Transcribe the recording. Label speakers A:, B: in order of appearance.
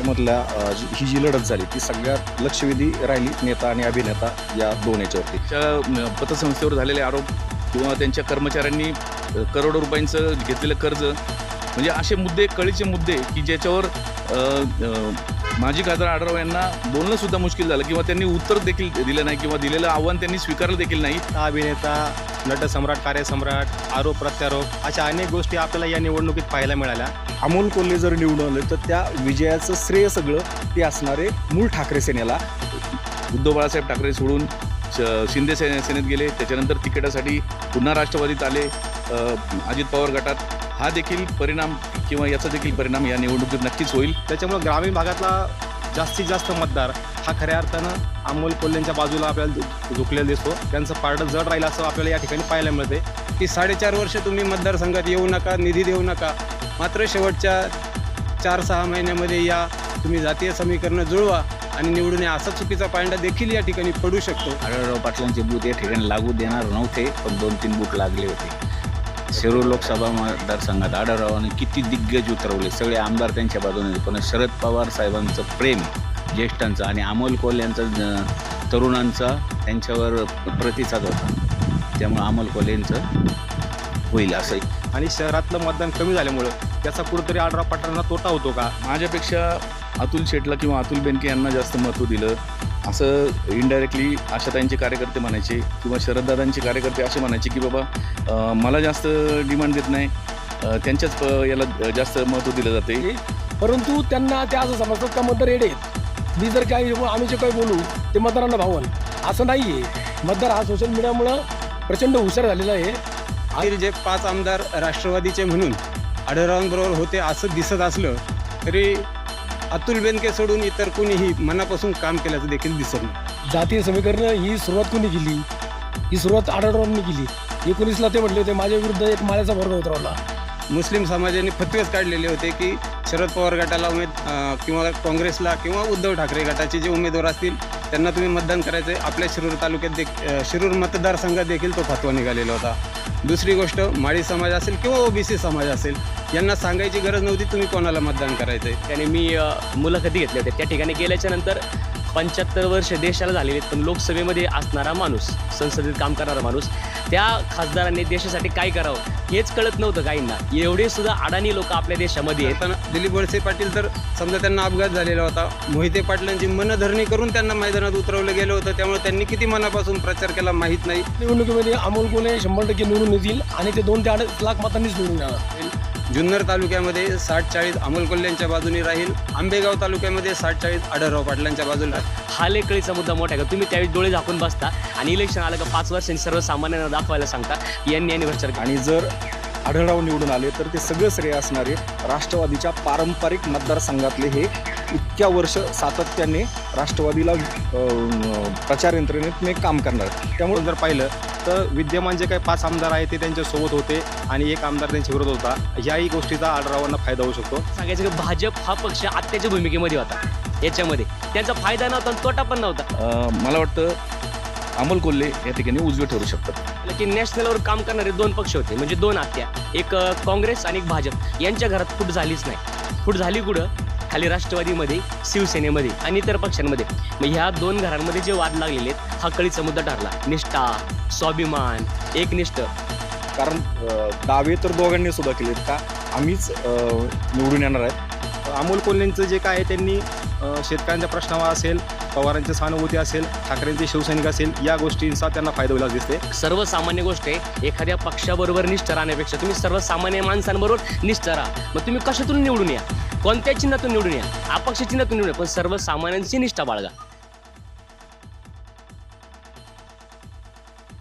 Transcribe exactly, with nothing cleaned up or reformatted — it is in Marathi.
A: मधल्या अ, जी- ही जी लढत झाली ती सगळ्यात लक्षवेधी राहिली नेता आणि अभिनेता या दोन याच्यावरती.
B: त्या पतसंस्थेवर झालेले आरोप किंवा त्यांच्या कर्मचाऱ्यांनी अ, करोडो रुपयांचं घेतलेलं कर्ज, म्हणजे असे मुद्दे, कळीचे मुद्दे की ज्याच्यावर अ, अ, माजी खासदार आढळराव यांना बोलणं सुद्धा मुश्किल झालं किंवा त्यांनी उत्तर देखील दिलं नाही किंवा दिलेलं आव्हान त्यांनी स्वीकारलं देखील नाही.
C: अभिनेता, नटसम्राट, कार्यसम्राट, आरोप प्रत्यारोप अशा अनेक गोष्टी आपल्याला या निवडणुकीत पाहायला मिळाल्या.
A: अमोल कोल्हे जर निवडून आले तर त्या विजयाचं श्रेय सगळं ते असणारे मूळ ठाकरे सेनेला.
B: उद्धव बाळासाहेब ठाकरे सोडून श- शिंदे सेने सेनेत गेले, त्याच्यानंतर तिकिटासाठी पुन्हा राष्ट्रवादीत आले, अ, अजित पवार गटात. हा देखील परिणाम किंवा याचा देखील परिणाम या निवडणुकीत नक्कीच होईल.
C: त्याच्यामुळं ग्रामीण भागातला जास्तीत जास्त मतदार हा खऱ्या अर्थानं अमोल कोल्हेंच्या बाजूला आपल्याला झु- झुकलेला दिसतो. त्यांचं पारडं जड राहील असं आपल्याला या ठिकाणी पाहायला मिळते. की साडेचार वर्ष तुम्ही मतदारसंघात येऊ नका, निधी देऊ नका, मात्र शेवटच्या चार सहा महिन्यामध्ये या तुम्ही जातीय समीकरणं जुळवा आणि निवडून या, असा चुकीचा पायंडा देखील या ठिकाणी पडू शकतो.
D: आढळराव पाटलांचे बूथ या ठिकाणी लागू देणार नव्हते, पण दोन तीन बूथ लागले होते. शिरूर लोकसभा मतदारसंघात आढळरावांनी किती दिग्गज उतरवले, सगळे आमदार त्यांच्या बाजूने. पण शरद पवार साहेबांचं प्रेम ज्येष्ठांचं आणि अमोल कोल्हे यांचा तरुणांचा त्यांच्यावर प्रतिसाद होता, त्यामुळे अमोल कोल्हेंचं होईल असं.
C: आणि शहरातलं मतदान कमी झाल्यामुळं त्याचा कुठंतरी आढळराव पाटलांना तोटा होतो का?
B: माझ्यापेक्षा अतुल शेटला किंवा अतुल बेनके यांना जास्त महत्त्व दिलं असं इनडायरेक्टली आशाताईंचे कार्यकर्ते म्हणायचे किंवा शरददादांचे कार्यकर्ते असे म्हणायचे की बाबा अ, मला जास्त डिमांड देत नाही, अ, त्यांच्याच प याला जास्त महत्त्व दिलं जाते.
E: परंतु त्यांना ते असं समजतात का मतदार येडे आहेत. मी जर काही आम्ही जे काही बोलू ते मतदारांना भावन, असं नाही आहे. मतदार हा सोशल मीडियामुळं प्रचंड हुशार झालेला आहे.
C: आतील जे पाच आमदार राष्ट्रवादीचे म्हणून आढळरावांबरोबर होते असं दिसत असलं तरी अतुल बेनके सोडून इतर कुणीही मनापासून काम केल्याचं देखील दिसत नाही.
E: जातीय समीकरण ही सुरुवात कोणी केली? ही सुरुवात आढळरावांनी केली. एकोणीसला ते म्हटले होते माझ्या विरुद्ध एक माळ्याचा वर्ग उतरवला.
C: मुस्लिम समाजाने फतवेच काढलेले होते की शरद पवार गटाला उमेद अं, किंवा काँग्रेसला किंवा उद्धव ठाकरे गटाचे जे उमेदवार असतील त्यांना तुम्ही मतदान करायचं आहे. आपल्या शिरूर तालुक्यात देख अं, शिरूर मतदारसंघात देखील तो फतवा निघालेला होता. दुसरी गोष्ट, माळी समाज असेल किंवा ओबीसी समाज असेल यांना सांगायची गरज नव्हती तुम्ही कोणाला मतदान करायचं आहे.
F: त्याने मी अ, मुलाखती घेतल्या होत्या. त्या ठिकाणी गेल्याच्या नंतर पंच्याहत्तर वर्ष देशाला झालेले आहेत, पण लोकसभेमध्ये असणारा माणूस, संसदेत काम करणारा माणूस, त्या खासदारांनी देशासाठी काय करावं हेच कळत नव्हतं काहींना. एवढे सुद्धा अडाणी लोक आपल्या देशामध्ये आहेत.
C: पण दिलीप वळसे पाटील तर समजा त्यांना अपघात झालेला होता, मोहिते पाटलांची मनधरणी करून त्यांना मैदानात उतरवलं गेलं होतं, त्यामुळे त्यांनी किती मनापासून प्रचार केला माहीत नाही.
E: निवडणुकीमध्ये अमोल कोल्हे शंभर टक्के निवडून येतील आणि ते दोन ते अडीच लाख मतांनीच निवडून येणार.
C: जुन्नर तालुक्यामध्ये साठ चाळीस अमोल कोल्हेंच्या बाजूनी राहील. आंबेगाव तालुक्यामध्ये साठ चाळीस आढळराव पाटलांच्या बाजूला.
F: हा लय कळीचा मुद्दा मोठा आहे का? तुम्ही त्यावेळी डोळे झाकून बसता आणि इलेक्शन आलं का पाच वर्षांनी सर्वसामान्यांना दाखवायला सांगता की यांनी यांनी भ्रष्टाचार केला.
A: आणि जर आढळराव निवडून आले तर ते सगळं श्रेय असणारे राष्ट्रवादीच्या पारंपरिक मतदारसंघातले हे इतक्या वर्ष सातत्याने राष्ट्रवादीला अ, प्रचार यंत्रणेने काम करणार.
C: त्यामुळे जर पाहिलं तर विद्यमान जे काही पाच आमदार आहेत ते त्यांच्यासोबत होते आणि एक आमदार त्यांच्या विरोधात होता. याही गोष्टीचा आढळरावांना फायदा होऊ शकतो.
F: सांगायचं की भाजप हा पक्ष आत्याच्या भूमिकेमध्ये होता. याच्यामध्ये त्यांचा फायदा नव्हता आणि तोटा पण नव्हता.
B: अ, मला वाटतं अमोल कोल्हे या ठिकाणी उजवे ठरू शकतात.
F: की नॅशनलवर काम करणारे दोन पक्ष होते, म्हणजे दोन आत्या, एक अ, काँग्रेस आणि एक भाजप. यांच्या घरात फूट झालीच नाही. फूट झाली कुठं? खाली राष्ट्रवादीमध्ये, शिवसेनेमध्ये आणि इतर पक्षांमध्ये. मग ह्या दोन घरांमध्ये जे वाद लागलेले आहेत हा कळीचा मुद्दा ठरला. निष्ठा, स्वाभिमान, एकनिष्ठ.
A: कारण अ, दावे तर दोघांनी सुद्धा केलेत का आम्हीच अ, निवडून येणार आहेत.
C: अमोल कोल्हेंचं जे काय आहे त्यांनी अ, शेतकऱ्यांच्या प्रश्नावर असेल, पवारांची सहानुभूती असेल, ठाकरेंचे शिवसैनिक असेल, या गोष्टींचा त्यांना फायदा होईल दिसते.
F: सर्वसामान्य गोष्ट आहे. एखाद्या पक्षाबरोबर निष्ठा राहण्यापेक्षा तुम्ही सर्वसामान्य माणसांबरोबर निष्ठा राहा. मग तुम्ही कशातून निवडून या, कोणत्या चिन्हातून निवडून या, अपक्ष चिन्हातून निवडून या, पण सर्वसामान्यांची निष्ठा बाळगा.